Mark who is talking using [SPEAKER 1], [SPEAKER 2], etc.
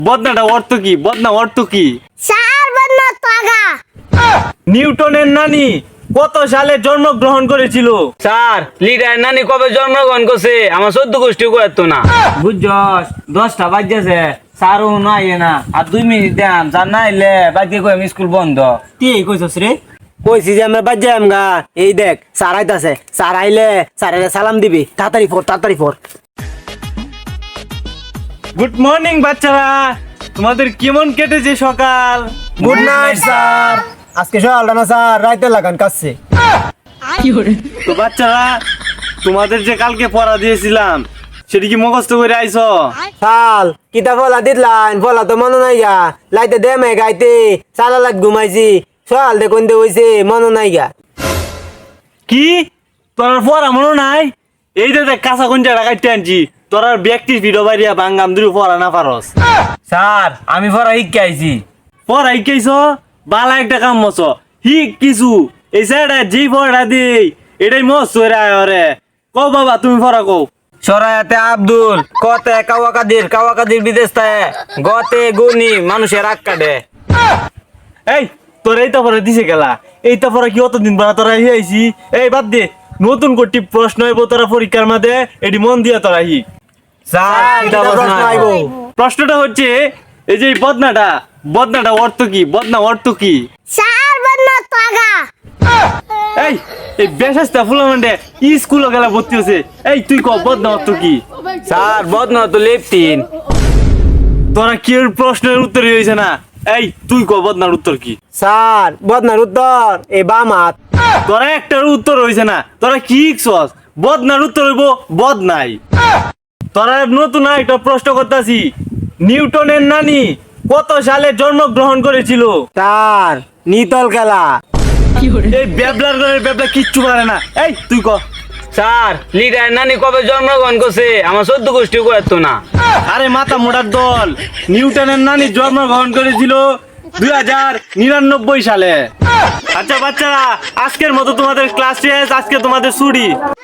[SPEAKER 1] বদনাটা অর্থ কি? বদনা অর্থ কি?
[SPEAKER 2] স্যার বদনা তাগা।
[SPEAKER 1] নিউটনের নানি কত সালে জন্মগ্রহণ করেছিল?
[SPEAKER 3] স্যার লিডার নানি কবে জন্মগ্রহণ করছে আমার 14 গোষ্ঠী করতো না।
[SPEAKER 4] বুঝছস 10টা বাজছে স্যারও নাই না আর 2 মিনিট দাম স্যার না আইলে বাকি কই আমি স্কুল বন্ধ। তুই এই কইছস রে?
[SPEAKER 5] কইছি যে আমরা বাজে আমগা। এই দেখ স্যার আইতাছে, স্যার আইলে স্যারের সালাম দিবি। তাড়াতাড়ি পড়।
[SPEAKER 1] গুড মর্নিং বাচ্চারা, তোমাদের কেমন কেটেছে সকাল?
[SPEAKER 5] Good night sir. আজকে সকালটা না স্যার, রাইতে লাগান কাছে।
[SPEAKER 1] তো বাচ্চারা, তোমাদের যে কালকে পড়া দিয়েছিলাম সেটা কি মুখস্থ করে আইছো?
[SPEAKER 5] সাল কিতা ফলা দিতলাইন, ফলা তো মনে নাই গা। লাইতে দেমে গাইতে সালা লাগ ঘুমাইছি। সকাল দেখুন দে হইছে মনে নাই গা।
[SPEAKER 1] কি তোর পড়া মনে নাই? এই যে দেখ কাঁচা কোনটা কাটতে আনছি, তোর আর ব্যক্তির ভিডিও বাড়িয়া বাঙ্গাম দুই পড়া না পারস।
[SPEAKER 4] স্যার আমি পড়া শিখে আইছি।
[SPEAKER 1] পড়াই কেছ বালা একটা কাম মছ হি কিছু এই স্যারটা যেই পড়া দেই এটাই মস্ত রে। কও বাবা তুমি পড়া কও।
[SPEAKER 4] সরায়াতে আব্দুল, কতে কাওয়াকাদির বিদেশ তায়, গতে গুনি মানুষের রাগ কাটে।
[SPEAKER 1] এই তোর এইটা পরে দিছে গেলা, এইটা পরে কি অতদিন পরে তোরা আইছি? এই বাদ দে, নতুন কোটি প্রশ্ন হইব তোরা পরীক্ষার মাঝে, এটি মন দিয়া তোরা হি।
[SPEAKER 4] স্যার
[SPEAKER 5] কিতা প্রশ্ন আইব?
[SPEAKER 1] প্রশ্নটা হচ্ছে এই যে বদনাটা অর্থ কি? বদনা অর্থ কি?
[SPEAKER 2] স্যার বদনা তাগা।
[SPEAKER 1] এই এই বেশাস্তা ফুলামান্ডে স্কুলে গেলা ভর্তি হচ্ছে। এই তুই ক বদনা অর্থ কি?
[SPEAKER 4] স্যার বদনা তো লেফটিন।
[SPEAKER 1] তোরা কি প্রশ্নের উত্তর হয়েছে না? এই তুই ক বদনার উত্তর কি?
[SPEAKER 5] স্যার বদনার উত্তর এই বাম হাত।
[SPEAKER 1] তোরা একটার উত্তর হয়েছে না, তোরা কি শিখছস? বদনার উত্তর হইব বদনাই। তোরা নতুন একটা প্রশ্ন করতেছি, নিউটনের নানি কত সালে জন্মগ্রহণ করেছিল?
[SPEAKER 5] স্যার নিতল খেলা।
[SPEAKER 1] এই বেবলা কিচ্ছু পারে না। এই তুই ক।
[SPEAKER 3] স্যার লিডার নানি কবে জন্মগ্রহণ করছে আমার 14 গোষ্ঠী করতো না।
[SPEAKER 1] আরে মাথা মোটার দল, নিউটনের নানি জন্মগ্রহণ করেছিল 2099 সালে। আচ্ছা বাচ্চারা, আজকের মতো তোমাদের ক্লাস শেষ, আজকে তোমাদের ছুটি।